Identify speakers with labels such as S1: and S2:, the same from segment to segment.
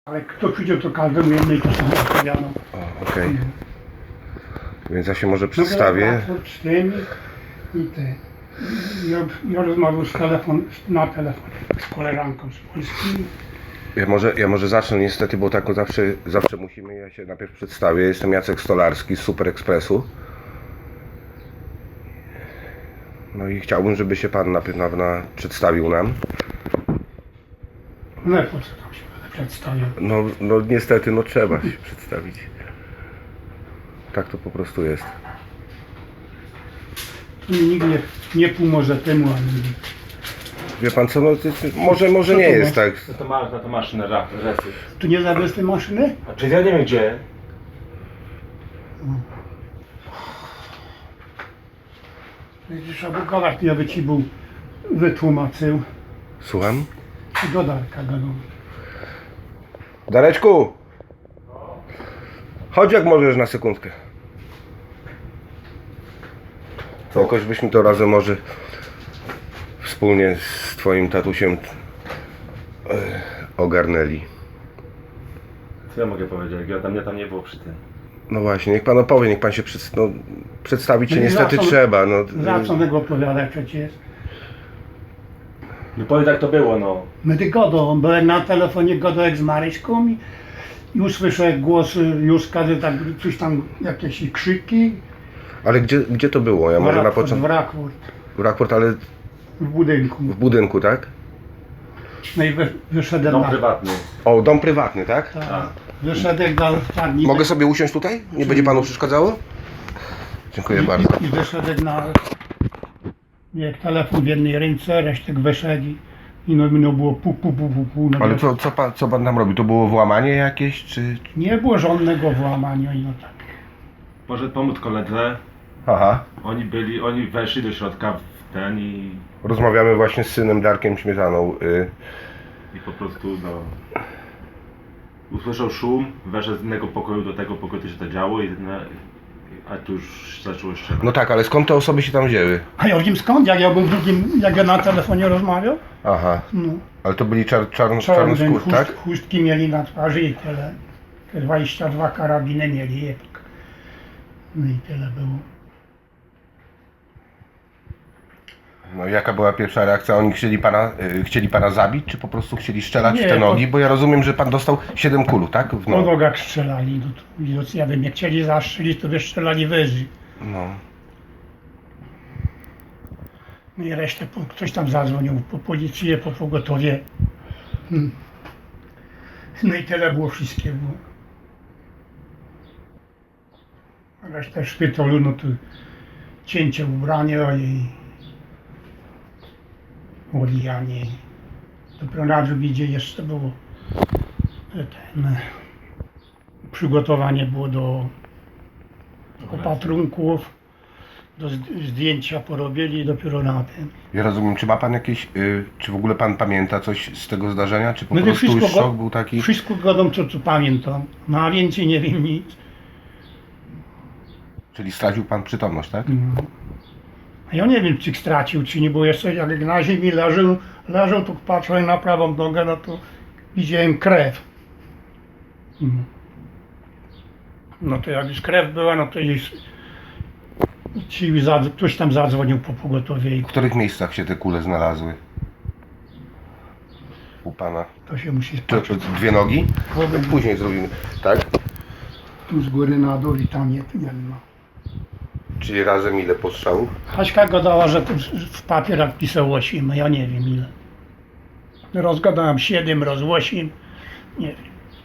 S1: Ale kto przyjdzie, to każdemu jednej to samo odpowiadam.
S2: Okej. Więc ja się może przedstawię.
S1: Z tym i ty. Ja rozmawiam na telefon z koleżanką z Polski.
S2: Ja może zacznę niestety, bo tak zawsze musimy. Ja się najpierw przedstawię. Jestem Jacek Stolarski z Super Expressu. No i chciałbym, żeby się pan najpierw przedstawił nam.
S1: No po co tam się będę przedstawiał?
S2: No niestety, no trzeba się przedstawić. Tak to po prostu jest.
S1: Tu mi nikt nie pomoże temu, ani
S2: Wie pan co, no może
S1: Co
S2: nie
S1: to
S2: jest
S1: ma?
S2: tak.
S3: Na to maszynę resy.
S1: tu nie zawiesz tej maszyny?
S3: A czy ja nie wiem gdzie?
S1: Widzisz, albo gadać, ja by ci był wytłumaczył.
S2: Słucham?
S1: Do Darka gadał.
S2: Dareczku! Chodź jak możesz na sekundkę. To jakoś byśmy to razem może wspólnie z twoim tatusiem ogarnęli.
S3: Co ja mogę powiedzieć? Mnie tam nie było przy tym.
S2: No właśnie, niech pan opowie, niech pan się przedstawić się
S1: No i
S2: niestety
S1: za co-
S2: trzeba.
S1: Za co tego opowiadać przecież?
S3: No powiedz jak to było, no.
S1: My ty godą, byłem na telefonie godek z Maryśką i usłyszę głos Józka, że tak coś tam, jakieś krzyki.
S2: Ale gdzie to było? Ja może na początku.
S1: W
S2: Rakport, ale
S1: w budynku.
S2: w budynku, tak?
S1: No i wyszedłem
S3: Dom
S1: na...
S3: prywatny.
S2: O, dom prywatny, tak?
S1: Tak. Wyszedłem na tarni.
S2: Mogę sobie usiąść tutaj? Nie będzie panu przeszkadzało? Dziękuję bardzo.
S1: I wyszedłem na... Jak telefon w jednej ręce, resztek wyszedł i no było pu.
S2: Ale co pan tam robi? To było włamanie jakieś, czy...
S1: Nie było żadnego włamania i no tak.
S3: Może pomóc koledze.
S2: Aha.
S3: Oni weszli do środka w ten i
S2: Rozmawiamy właśnie z synem Darkiem Śmietaną.
S3: po prostu no... Usłyszał szum, weszł z innego pokoju do tego pokoju, co się to działo a tu już zaczęło strzelać.
S2: No tak, ale skąd te osoby się tam wzięły?
S1: A ja wiem skąd, jak ja był drugim, jak ja na telefonie rozmawiał?
S2: Aha.
S1: No.
S2: Ale to byli czarnoskór, tak?
S1: Chustki mieli na twarzy i tyle. Te 22 karabiny mieli. No i tyle było.
S2: No jaka była pierwsza reakcja? Oni chcieli pana zabić, czy po prostu chcieli strzelać
S1: Nie,
S2: w te
S1: to-
S2: nogi? Bo ja rozumiem, że pan dostał 7 kul, tak? W
S1: Po
S2: nogę.
S1: nogach strzelali. No to, widocznie, ja wiem, jak chcieli zastrzelić, to by strzelali wyżej.
S2: No.
S1: No i resztę ktoś tam zadzwonił po policję, po pogotowie. No i tyle było wszystkiego. A resztę szpitalu, no to cięcie ubrania i odijanie. Dopiero na drugi dzień jeszcze było przygotowanie było do opatrunków, do zdjęcia porobili i dopiero na tym.
S2: Ja rozumiem, czy ma pan jakieś, czy w ogóle pan pamięta coś z tego zdarzenia, czy po
S1: No to
S2: prostu już
S1: wszystko
S2: szok był taki?
S1: Wszystko godą, co pamiętam. No a więcej nie wiem nic.
S2: Czyli stracił pan przytomność, tak?
S1: A ja nie wiem, czy stracił, czy nie, bo jeszcze jak na ziemi leżał, to patrzyłem na prawą nogę, no to widziałem krew. No to jak już krew była, no to już ktoś tam zadzwonił po pogotowie i
S2: W których miejscach się te kule znalazły? U pana.
S1: to się musi
S2: Czy
S1: spatrzeć.
S2: 2 nogi? Później zrobimy, tak?
S1: Tu z góry na dół i tam jedno.
S2: Czyli razem ile postrzałów?
S1: Haśka gadała, że tu w papierach pisał 8, a ja nie wiem ile. Rozgadałem 7, 8, nie wiem.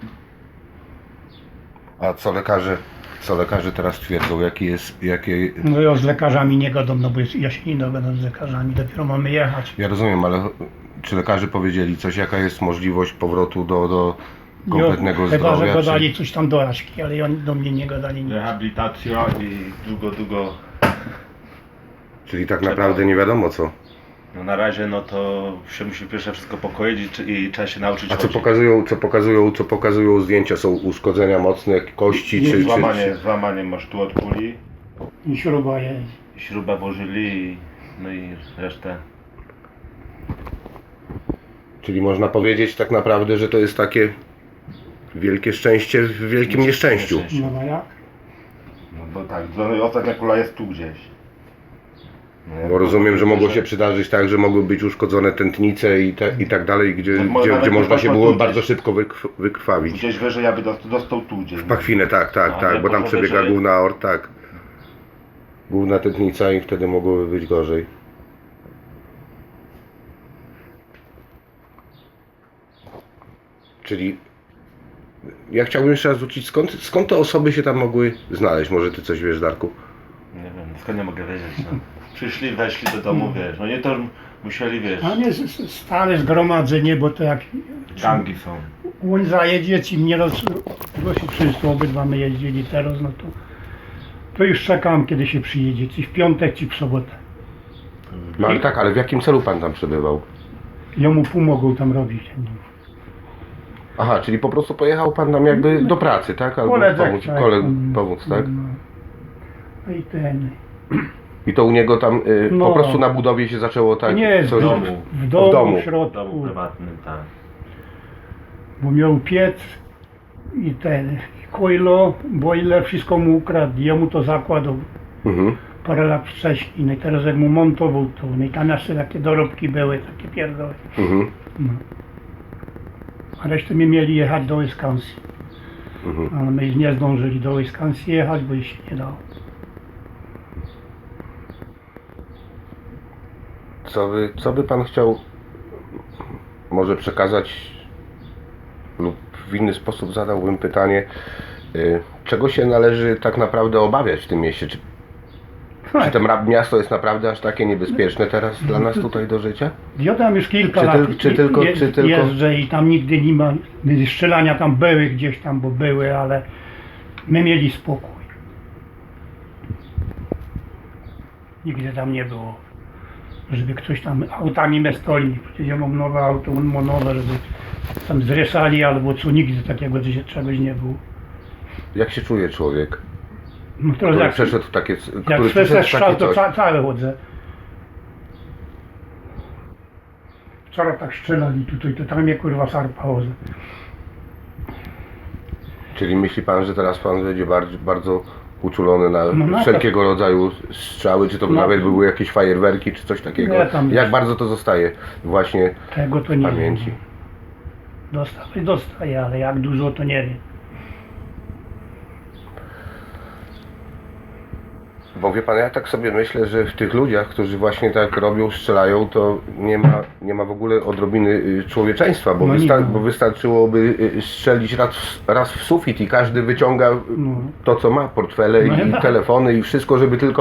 S2: A co lekarze teraz twierdzą, jakie...
S1: No ja z lekarzami nie gadam, no bo ja się nie dogadam z lekarzami, dopiero mamy jechać.
S2: Ja rozumiem, ale czy lekarze powiedzieli coś, jaka jest możliwość powrotu do kompletnego
S1: Chyba,
S2: zdrowia?
S1: że gadali coś tam do Aśki, ale oni do mnie nie gadali nic.
S3: Rehabilitacja i długo.
S2: Czyli tak naprawdę nie wiadomo co.
S3: No na razie no to się musi pierwsze wszystko pokoić i trzeba się nauczyć
S2: A co
S3: chodzić.
S2: pokazują zdjęcia? Są uszkodzenia mocne, kości
S1: Nie,
S2: czy...
S3: Złamanie masz tu od kuli,
S1: I śruba jest.
S3: śrubę włożyli no i resztę.
S2: Czyli można powiedzieć tak naprawdę, że to jest takie wielkie szczęście w wielkim nieszczęściu.
S1: No a jak?
S3: No bo tak, ostatnia kula jest tu gdzieś. No,
S2: Bo rozumiem, że mogło się przydarzyć tak, że mogły być uszkodzone tętnice i tak dalej, gdzie można się było bardzo szybko wykrwawić.
S3: Gdzieś wyżej ja by dostał tu gdzieś.
S2: Pachwinę, tak,
S3: No,
S2: bo tam
S3: to
S2: przebiega
S3: wyżej.
S2: główna aorta, tak. Główna tętnica i wtedy mogłoby być gorzej. Czyli ja chciałbym jeszcze raz wrócić, skąd te osoby się tam mogły znaleźć? Może ty coś wiesz, Darku?
S3: Nie wiem, skąd nie mogę wiedzieć. No. Przyszli, weszli do domu, wiesz, no nie to musieli, wiesz,
S1: A nie stale zgromadzenie, bo to jak
S3: gangi są.
S1: on zajedzie, ci mnie dosyć często obydwa my jeździli teraz, no to już czekam, kiedy się przyjedzie, czy w piątek, czy w sobotę.
S2: No ale tak, ale w jakim celu pan tam przebywał?
S1: Jemu pomogą tam robić.
S2: Aha, czyli po prostu pojechał pan tam jakby do pracy, tak? Albo
S1: Koledze, tak.
S2: pomóc, tak?
S1: No i ten.
S2: I to u niego tam
S1: No.
S2: po prostu na budowie się zaczęło tak?
S1: Nie,
S2: coś-
S1: w domu,
S2: w domu.
S1: w
S3: W
S1: środku,
S3: domu prywatnym, tak.
S1: bo miał piec i ten kojlo, boiler, wszystko mu ukradł, jemu to zakładał
S2: Mhm.
S1: parę lat wcześniej, no i teraz jak mu montował to, no i tam jeszcze takie dorobki były, takie pierdoły.
S2: Mhm.
S1: No. A resztę my mieli jechać do Wisconsin,
S2: Mhm.
S1: ale my nie zdążyli do Wisconsin jechać, bo już się nie dało.
S2: Co by pan chciał może przekazać lub w inny sposób zadałbym pytanie, czego się należy tak naprawdę obawiać w tym mieście? Czy to miasto jest naprawdę aż takie niebezpieczne teraz dla nas tutaj do życia?
S1: Ja tam już kilka
S2: Czy
S1: lat
S2: tylko-
S1: jeżdżę i tam nigdy nie ma, strzelania tam były gdzieś tam, bo były, ale my mieli spokój. Nigdy tam nie było, żeby ktoś tam autami me stoli. Przecież ja mam nowe auto, on ma nowe, żeby tam zresali albo co, nigdy takiego czegoś nie było.
S2: Jak się czuje człowiek,
S1: No to
S2: który
S1: jak,
S2: przeszedł w takie,
S1: jak
S2: który
S1: słyszę
S2: przeszedł w
S1: strzał,
S2: takie
S1: to
S2: coś?
S1: całe chodzę. Wczoraj tak strzelali tutaj, to tam mnie kurwa sarpa chodzę.
S2: Czyli myśli pan, że teraz pan będzie bardzo uczulony na
S1: No na
S2: wszelkiego rodzaju strzały, czy to
S1: No.
S2: nawet były jakieś fajerwerki, czy coś takiego?
S1: Nie, tam
S2: Jak
S1: jest.
S2: bardzo to zostaje właśnie
S1: Tego to
S2: w
S1: nie
S2: pamięci?
S1: wiem. Dostaję, ale jak dużo to nie wiem.
S2: Bo wie pan, ja tak sobie myślę, że w tych ludziach, którzy właśnie tak robią, strzelają, to nie ma w ogóle odrobiny człowieczeństwa, bo,
S1: No nie ma.
S2: bo wystarczyłoby strzelić raz w sufit i każdy wyciąga
S1: No.
S2: to, co ma, portfele
S1: No
S2: i
S1: tak.
S2: telefony i wszystko,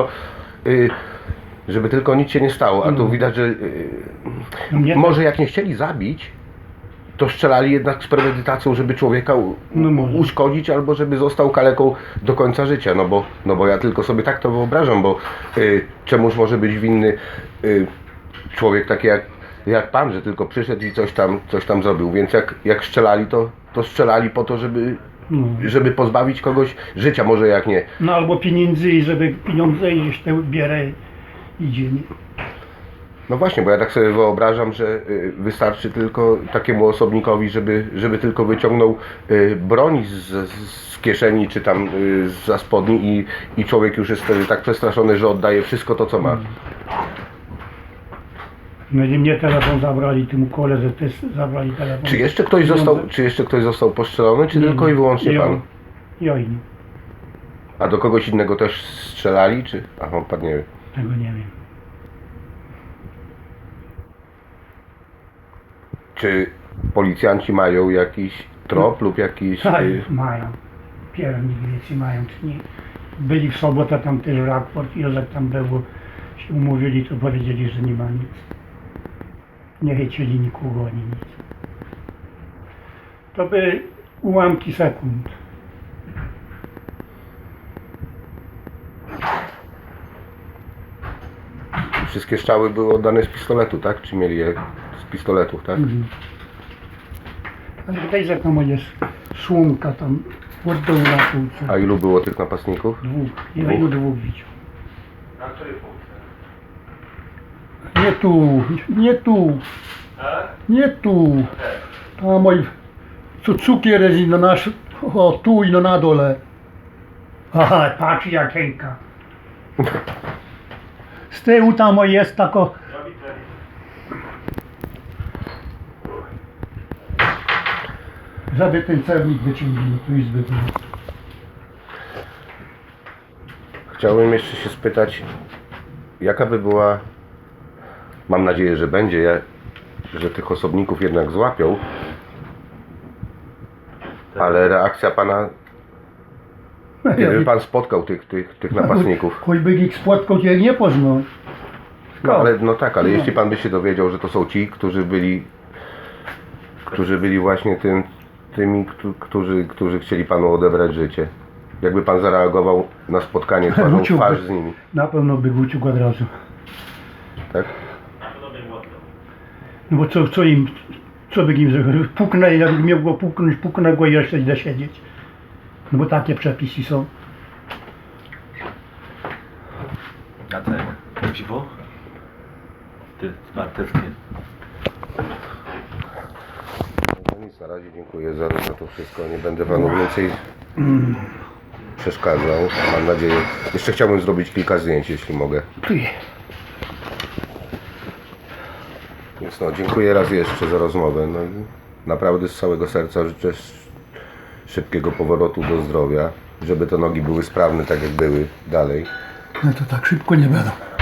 S2: żeby tylko nic się nie stało. A tu
S1: No.
S2: widać, że
S1: Mnie
S2: może jak nie chcieli zabić, to strzelali jednak z premedytacją, żeby człowieka
S1: No może.
S2: uszkodzić albo żeby został kaleką do końca życia. No bo ja tylko sobie tak to wyobrażam, bo czemuż może być winny człowiek taki jak pan, że tylko przyszedł i coś tam zrobił. Więc jak strzelali, to strzelali po to,
S1: No.
S2: żeby pozbawić kogoś życia, może jak nie.
S1: No albo pieniędzy i żeby pieniądze iść te bierę idzie. Nie?
S2: No właśnie, bo ja tak sobie wyobrażam, że wystarczy tylko takiemu osobnikowi, żeby tylko wyciągnął broń z kieszeni czy tam zza spodni i człowiek już jest wtedy tak przestraszony, że oddaje wszystko to, co ma.
S1: No i mnie telefon zabrali, temu koledze też zabrali telefon.
S2: Czy jeszcze ktoś został postrzelony, czy tylko i wyłącznie pan?
S1: Ja i nie.
S2: A do kogoś innego też strzelali, czy? Aha, pan nie wie.
S1: Tego nie wiem.
S2: Czy policjanci mają jakiś trop lub jakiś...
S1: Tak, mają. Piernik więcej mają, czy nie. Byli w sobotę tam też raport, Józef tam było, się umówili, to powiedzieli, że nie ma nic. Nie chcieli nikogo ani nic. To by ułamki sekund.
S2: Wszystkie strzały były oddane z pistoletu, tak? Czy mieli je z pistoletów, tak?
S1: Mhm. Ale tutaj że tam jest słomka tam od dołu na półce.
S2: A ilu było tych napastników?
S1: Dwóch. Ja ilu dwóch widział.
S3: Na której półce?
S1: Nie tu, nie tu, nie tu. Tam mój co cukier jest i no nasz, o tu i no na dole. Aha, patrz jakiejka. Z tyłu tam o jest tako. Żeby ten celnik wyciągnął, tu izby było.
S2: Chciałbym jeszcze się spytać, jaka by była, mam nadzieję, że będzie, że tych osobników jednak złapią, ale reakcja pana, kiedy pan spotkał tych napastników.
S1: Choćby ich spotkał, to ja nie poznał.
S2: No ale no tak, ale jeśli pan by się dowiedział, że to są ci, którzy byli właśnie tymi, którzy chcieli panu odebrać życie. Jakby pan zareagował na spotkanie twarzą w twarz z nimi,
S1: Na pewno by uciekł od razu.
S2: tak?
S1: No bo co by im zrobił? Puknę, jak miał go puknąć, puknę go i jeszcze idę siedzieć. No bo takie przepisy są.
S3: Jacek, piwo? Ty, parteckie.
S2: No nic, na razie dziękuję za to wszystko. Nie będę panu więcej przeszkadzał. Mam nadzieję. Jeszcze chciałbym zrobić kilka zdjęć, jeśli mogę. Więc no, dziękuję raz jeszcze za rozmowę. No, i naprawdę z całego serca życzę szybkiego powrotu do zdrowia, żeby te nogi były sprawne tak jak były dalej.
S1: No to tak szybko nie będą.